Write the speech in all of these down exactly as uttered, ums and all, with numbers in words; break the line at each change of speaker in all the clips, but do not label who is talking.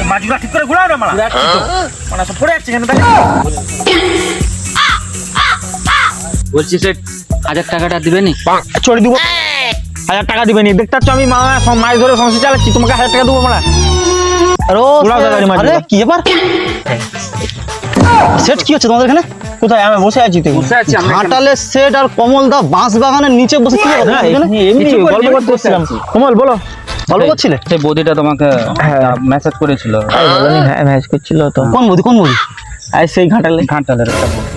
মাছগুলো ঠিক করে ঘোরাও না মারা মানে সব পড়ে যাচ্ছে কেন তাই
বলছি সেট হাজার টাকাটা দিবেনি?
চড়ে দিব হাজার টাকা দিবেনি দেখতে পাচ্ছ আমি মা মাছ ধরে সংসার চালাচ্ছি তোমাকে হাজার টাকা দেবো মারা
কি ব্যাপার সেট কি হচ্ছে তোমাদের এখানে?
কোথায় আমি বসে আছি তুই
বসে আছি আমরা
ঘাটালের সেট আর কমল দা বাঁশ বাগানের নিচে বসে কি
না এমনি গল্প করতে এসেছিলাম কমল বলো
গল্প করছিলে?
সেই বৌদিটা তোমাকে মেসেজ করেছিল।
হ্যাঁ ম্যাচ করছিল তো
কোন বৌদি কোন বৌদি?
আর সেই ঘাটালে
ঘাটালের একটা বৌদি।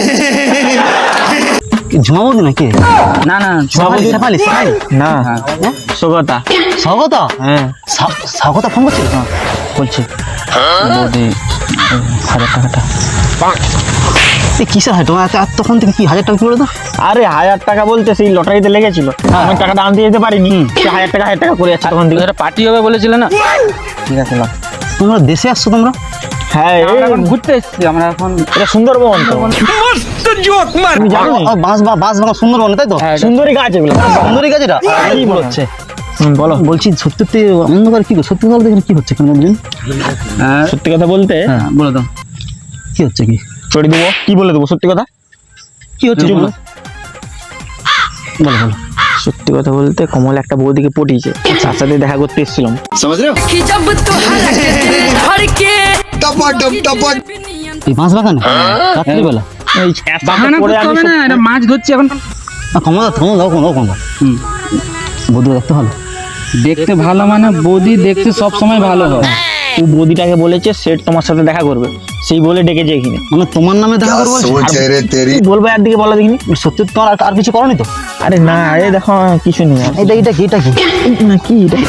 ঝুমা বৌদি নাকি?
না না
শেফালি শেফালি শেফালি
না সগতা
স্বাগতা
হ্যাঁ
স্বাগতা ফোন করছিল
বলছি বৌদি হাজার টাকাটা
এই কিসের হয় তোমার এত তখন থেকে কি হাজার টাকা কি বলে তো?
আরে হাজার টাকা বলতে সেই লটারিতে লেগেছিল আমি টাকাটা আনতে যেতে পারিনি সে হাজার টাকা হাজার টাকা করে যাচ্ছে তখন থেকে
পার্টি হবে বলেছিলে না? ঠিক আছে লাও।
তোমরা দেশে আসছো তোমরা?
হ্যাঁ
আমরা এখন ঘুরতে এসেছি আমরা এখন
এটা সুন্দরবন তো তুমি জানো
ও, বাঁশ বা বাঁশ বাগান সুন্দরবন তাই তো?
সুন্দরী গাছ এগুলো
সুন্দরী গাছ এটা
কি বলছে বলো
বলছি সত্যি সত্যি অন্ধকার কি সত্যি কথা বলতে কি হচ্ছে কেন বলছেন?
সত্যি কথা বলতে
হ্যাঁ বলে দাও কি হচ্ছে কি
চড়ে দেবো কি বলে দেবো সত্যি কথা
কি হচ্ছে বলো বলো বলো
সত্যি কথা বলতে কমল একটা বৌদিকে পটিয়েছে তার সাথে দেখা করতে এসেছিলাম
এই বাঁশ বাগানে রাত্রিবেলা
এই
বাহানা
পরে
করতে
আমি
হবে না, এটা মাছ ধরছি এখন।
ক্ষমতা থামো দাও কোনো কোনো
হুম।
বৌদি দেখতে ভালো
দেখতে ভালো মানে বৌদি দেখতে সব সময় ভালো হয়।
ও বৌদিটাকে বলেছে সেট তোমার সাথে দেখা করবে সেই বলে ডেকেছে এখানে
মানে তোমার নামে দেখা করবো
কি বলবো আর দিকে বলো দেখিনি
সত্যি তোমার আর- আর কিছু করনি তো?
আরে না এই দেখো কিছু নেই আর।
এটা এটা কি এটা কি
না কি এটা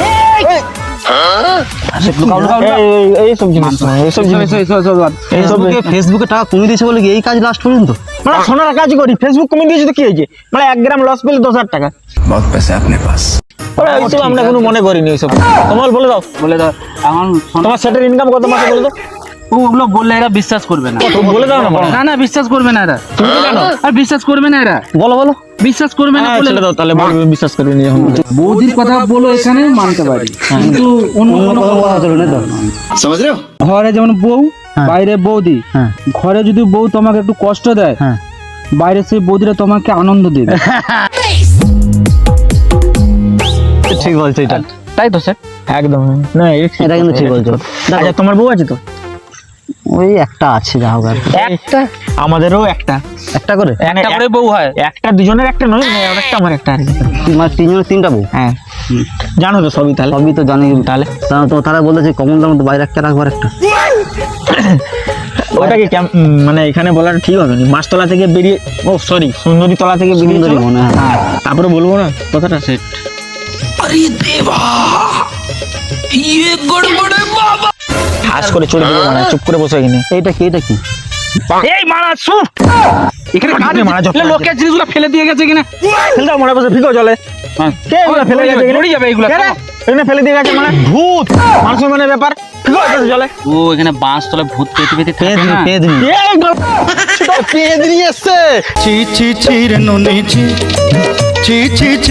লুকাও, লুকাও, লুকাও।
এই- এই- এইসব জিনিস না, এইসব জিনিস
এসো, এসো, এসো, এসো।
এইসব
ফেসবুকে ফেসবুকে টাকা কমিয়ে দিয়েছে বলে কি এই কাজ লাস্ট পর্যন্ত?
মানে সোনার কাজ করি ফেসবুক কমে দিয়েছে তো কি হয়েছে মানে এক গ্রাম লস পেলে দশ হাজার টাকা
बहुत पैसा है अपने पास।
ওরা এইসব আমরা কোনো মনে করিনি এইসব কমল বলে দাও
বলে দাও এখন শোনো,
তোমার সেটের ইনকাম কত মাসে বলে দাও
ও ওগুলো বললে এরা বিশ্বাস করবে না।
কত বলে দাও না
না না বিশ্বাস করবে না এরা,
তুমি তো জানো
আর বিশ্বাস করবে না এরা,
বলো বলো
বিশ্বাস করবে না
হ্যাঁ,
বলে
ছেড়ে দাও তাহলে বলবে বিশ্বাস করবে নি যখন
বৌদির কথা বলো এখানে মানতে পারি, কিন্তু অন্য কোনো কথা
চলবে না তো?
समझ रहे हो?
ঘরে যেমন বউ
হ্যাঁ।
বাইরে বৌদি,
হ্যাঁ
ঘরে যদি বউ তোমাকে একটু কষ্ট দেয়
হ্যাঁ
বাইরে সেই বৌদিরা তোমাকে আনন্দ দেবে।
ঠিক বলছো এটা
তাই তো স্যার?
একদম না
এটা কিন্তু ঠিক বলছো।
আচ্ছা তোমার বউ আছে তো
ওই একটা আছে যা হোক আর কি।
একটা আমাদেরও একটা
একটা করে
মানে
একটা করে বউ হয়?
একটা দুজনের একটা নয় মানে ওর একটা আমার একটা আর কি
মানে তিনজনের তিনটা বউ
হ্যাঁ জানো তো সবই তাহলে
সবই তো জানি তাহলে তো তারা বলেছে কমলদার মতো বাইরে একটা রাখবার একটা
ওটাকে কেম- উম, মানে এখানে বলাটা ঠিক হবে না মাছতলা থেকে বেরিয়ে ও সরি সুন্দরী তলা থেকে বেরিয়ে
সুন্দরী
চলো।
মনে হয়।
হ্যাঁ তারপরে বলবো না কথাটা সেট হাস করে চলে দেবো মানে চুপ করে বসে এখানে
এইটা কি এটা কি
এই মারা শুন
এখানে
কাজ
কাজ
মারা যখন
লোকের জিনিসগুলো ফেলে দিয়ে গেছে কিনা
ফেলে দাও মনে বসে ফিকো চলে কে এগুলো ফেলে গেছে এখানে?
পড়ে যাবে এগুলো।
কে রে? এখানে ফেলে দিয়ে গেছে মানে ভূত মানুষের মানে ব্যাপার ফিকো চলে
ও এখানে বাঁশ তলে ভূত পেতে পেতে থাকে
পেদনি
না।
পেদনি
এই গল্প পেয়ে দিয়ে এসছে
ছি ছি ছি রে নুনি ছি ছি ছি ছি